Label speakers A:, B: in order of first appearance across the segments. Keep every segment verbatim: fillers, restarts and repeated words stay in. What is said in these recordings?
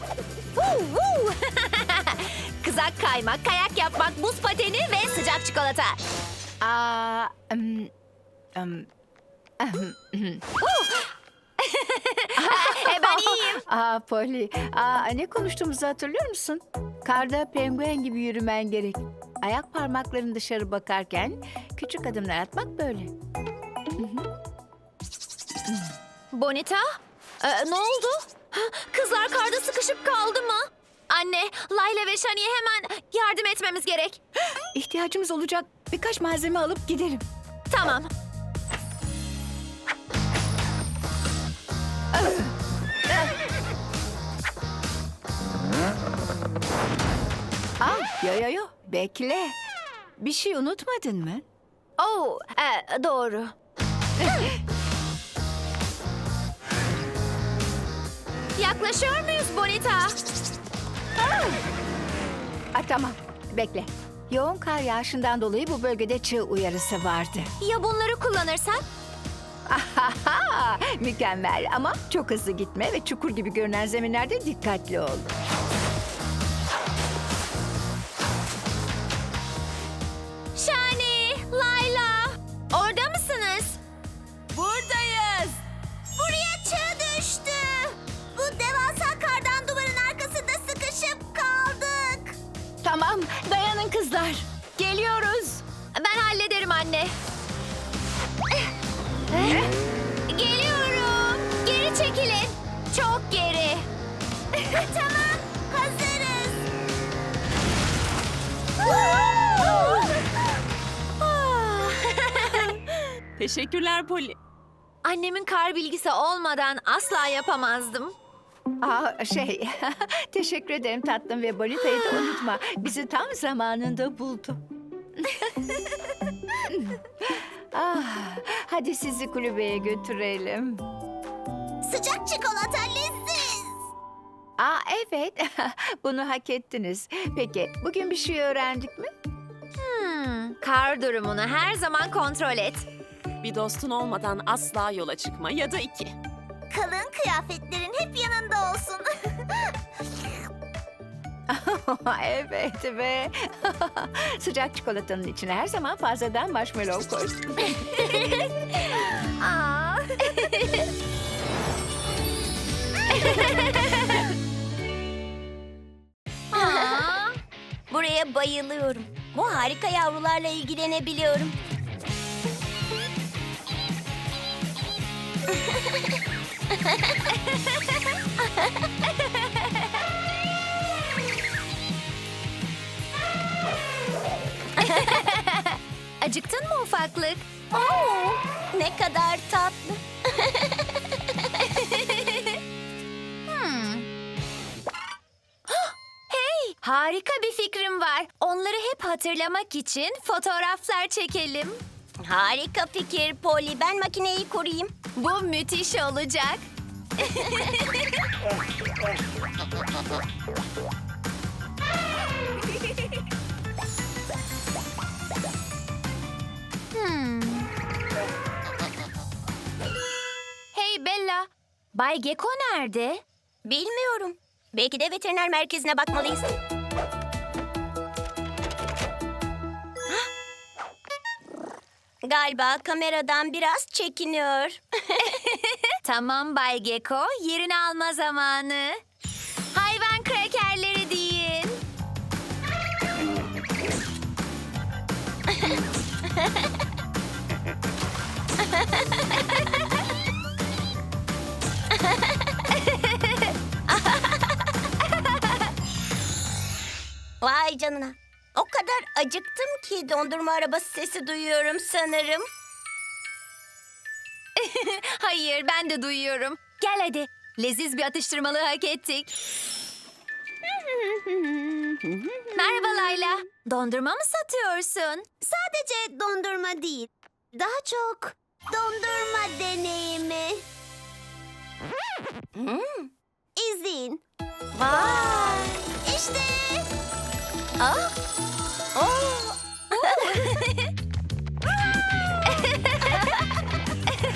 A: Huu, huu. Kızak kaymak, kayak yapmak, buz pateni ve sıcak çikolata.
B: Aa, ım, ım,
A: E, ben iyiyim.
B: Aa Polly, aa, ne konuştuğumuzu hatırlıyor musun? Karda penguen gibi yürümen gerek. Ayak parmakların dışarı bakarken küçük adımlar atmak böyle.
A: Bonita, e, ne oldu? Ha, Kızlar karda sıkışıp kaldı mı? Anne, Layla ve Shani'ye hemen yardım etmemiz gerek.
B: İhtiyacımız olacak birkaç malzeme alıp gidelim.
A: Tamam.
B: Aa, yo yo yo, bekle. Bir şey unutmadın mı?
A: Oh, e, doğru. Yaklaşıyor muyuz Bonita?
B: Aa, tamam, bekle. Yoğun kar yağışından dolayı bu bölgede çığ uyarısı vardı.
A: Ya bunları kullanırsak?
B: Ahaha, mükemmel ama çok hızlı gitme ve çukur gibi görünen zeminlerde dikkatli ol.
A: Shani, Layla, orada mısınız?
C: Buradayız.
A: Buraya çığ düştü. Bu devasa kardan duvarın arkasında sıkışıp kaldık.
B: Tamam, dayanın kızlar. Geliyoruz.
A: Ben hallederim anne. Geliyorum. Geri çekilin. Çok geri. Tamam, hazırız.
C: Teşekkürler Polly.
A: Annemin kar bilgisi olmadan asla yapamazdım.
B: Aa, şey, teşekkür ederim tatlım ve Bonita'yı da unutma. Bizi tam zamanında buldu. ah, hadi sizi kulübeye götürelim.
A: Sıcak çikolata leziz.
B: Aa, evet, bunu hak ettiniz. Peki, bugün bir şey öğrendik mi?
A: Hmm, kar durumunu her zaman kontrol et.
C: Bir dostun olmadan asla yola çıkma ya da iki.
A: Kalın kıyafetlerin hep yanında olsun.
B: evet ve sıcak çikolatanın içine her zaman fazladan marshmallow koy.
A: Aa. Aa, buraya bayılıyorum. Bu harika yavrularla ilgilenebiliyorum. Acıktın mı ufaklık? Oo, ne kadar tatlı. Hmm. Hah, hey, harika bir fikrim var. Onları hep hatırlamak için fotoğraflar çekelim. Harika fikir Polly. Ben makineyi kurayım. Bu müthiş olacak. Hmm. Hey Bella, Bay Gecko nerede? Bilmiyorum. Belki de veteriner merkezine bakmalıyız. Galiba kameradan biraz çekiniyor. Tamam Bay Gecko, yerini alma zamanı. Hayvan krakerleri deyin. Vay canına. O kadar acıktım ki dondurma arabası sesi duyuyorum sanırım. Hayır, ben de duyuyorum. Gel hadi. Leziz bir atıştırmalığı hak ettik. Merhaba Layla. Dondurma mı satıyorsun? Sadece dondurma değil. Daha çok dondurma deneyimi. Hmm. İzleyin. Vay. İşte. Aa. Oo.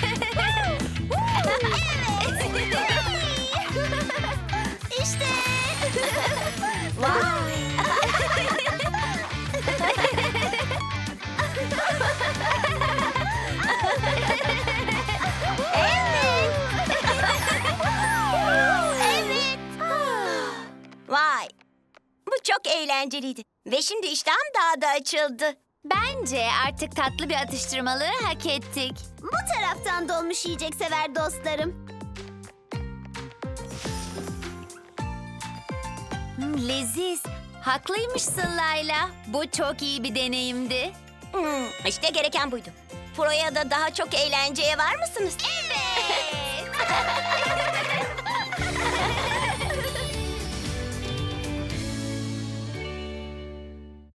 A: Evet. İşte.
D: Vay, bu çok eğlenceliydi. Ve şimdi iştahım daha da açıldı.
A: Bence artık tatlı bir atıştırmalığı hak ettik.
D: Bu taraftan dolmuş yiyecek sever dostlarım.
A: Hmm, leziz. Haklıymışsın Layla. Bu çok iyi bir deneyimdi.
D: Hmm, işte gereken buydu. Proya da daha çok eğlenceye var mısınız?
A: Evet.